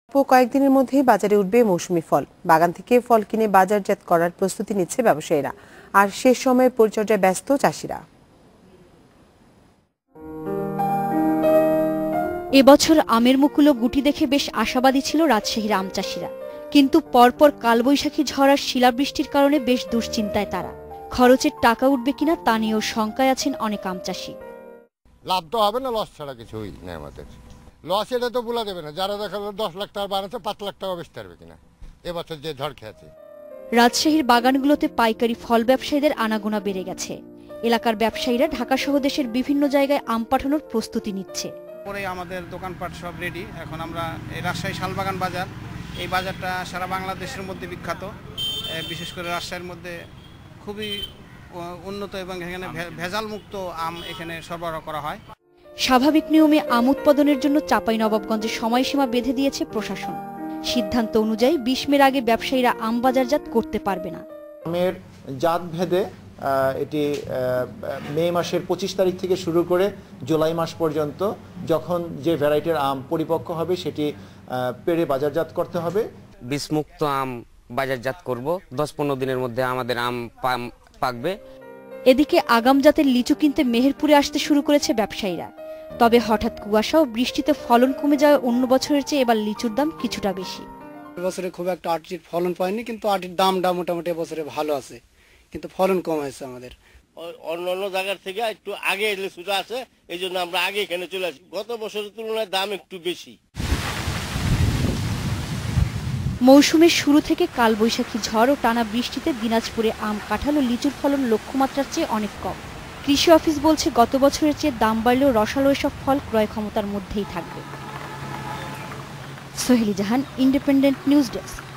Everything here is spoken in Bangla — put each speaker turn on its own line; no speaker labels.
কয়েকদিনের মধ্যেই বাজারে উঠবে মৌসুমি ফল। বাগান থেকে ফল কিনে বাজারজাত করার প্রস্তুতি নিচ্ছে ব্যবসায়ীরা, আর শেষ সময়ের পরিচর্যায় ব্যস্ত চাষিরা।
এবছর আমের মুকুল গুটি দেখে বেশ আশাবাদী ছিল রাজশাহীর আম চাষিরা, কিন্তু পরপর কালবৈশাখী ঝড় আর শিলাবৃষ্টির কারণে বেশ দুশ্চিন্তায় তারা। খরচের টাকা উঠবে কিনা তা নিয়েও শঙ্কায় আছেন অনেক আম চাষি।
লাভ তো হবে না, লস ছাড়া কিছুই নেই আমাদের। লস এটা তো বলা যাবে না, যারা দেখা 10 লাখ টাকা বানাচ্ছে 5 লাখ টাকা বেচতে পারবে কিনা এবছর যে ঝড় খেয়েছে।
রাজশাহীর বাগানগুলোতে পাইকারি ফল ব্যবসায়ীদের আনাগোনা বেড়ে গেছে। এলাকার ব্যবসায়ীরা ঢাকা সহ দেশের বিভিন্ন জায়গায় আম পাঠানোর প্রস্তুতি নিচ্ছে।
পরে আমাদের দোকানপাট সব রেডি। এখন আমরা এই রাজশাহী শালবাগান বাজার, এই বাজারটা সারা বাংলাদেশের মধ্যে বিখ্যাত, বিশেষ করে রাজশাহীর মধ্যে খুবই উন্নত এবং এখানে ভেজাল মুক্ত আম এখানে সরবরাহ করা হয়।
স্বাভাবিক নিয়মে আম উৎপাদনের জন্য চাঁপাইনবাবগঞ্জে সময়সীমা বেঁধে দিয়েছে প্রশাসন। সিদ্ধান্ত অনুযায়ী 20 মের আগে ব্যবসায়ীরা আম বাজারজাত করতে পারবে না।
আমের জাত ভেদে এটি মে মাসের 25 তারিখ থেকে শুরু করে জুলাই মাস পর্যন্ত যখন যে ভ্যারাইটির আম পরিপক্ক হবে সেটি পেড়ে বাজারজাত করতে হবে।
বিষমুক্ত আম বাজারজাত করব, 10-15 দিনের মধ্যে আমাদের আম পাকবে।
এদিকে আগাম জাতের লিচু কিনতে মেহেরপুরে আসতে শুরু করেছে ব্যবসায়ীরা। তবে হঠাৎ কুয়াশা ও বৃষ্টিতে ফলন কমে যাওয়ায় অন্য বছরের চেয়ে এবার লিচুর দাম কিছুটা বেশি।
এবছরে খুব একটা আটির ফলন পায়নি, কিন্তু আটির দামটা মোটামুটি এবছরে ভালো আছে, কিন্তু ফলন কম হয়েছে আমাদের।
অন্য জায়গার থেকে একটু আগে লিচুটা আছে, এই জন্য আমরা আগে এখানে চলে আসি। গত বছরের তুলনায় দাম একটু বেশি।
মৌসুমের শুরু থেকে কালবৈশাখী ঝড় ও টানা বৃষ্টিতে দিনাজপুরে আম, কাঁঠাল ও লিচুর ফলন লক্ষ্যমাত্রার চেয়ে অনেক কম। কৃষি অফিস বলছে গত বছরের চেয়ে দাম বাড়লেও রসালো এসব ফল ক্রয় ক্ষমতার মধ্যেই থাকবে। Soheli Jahan, independent news desk.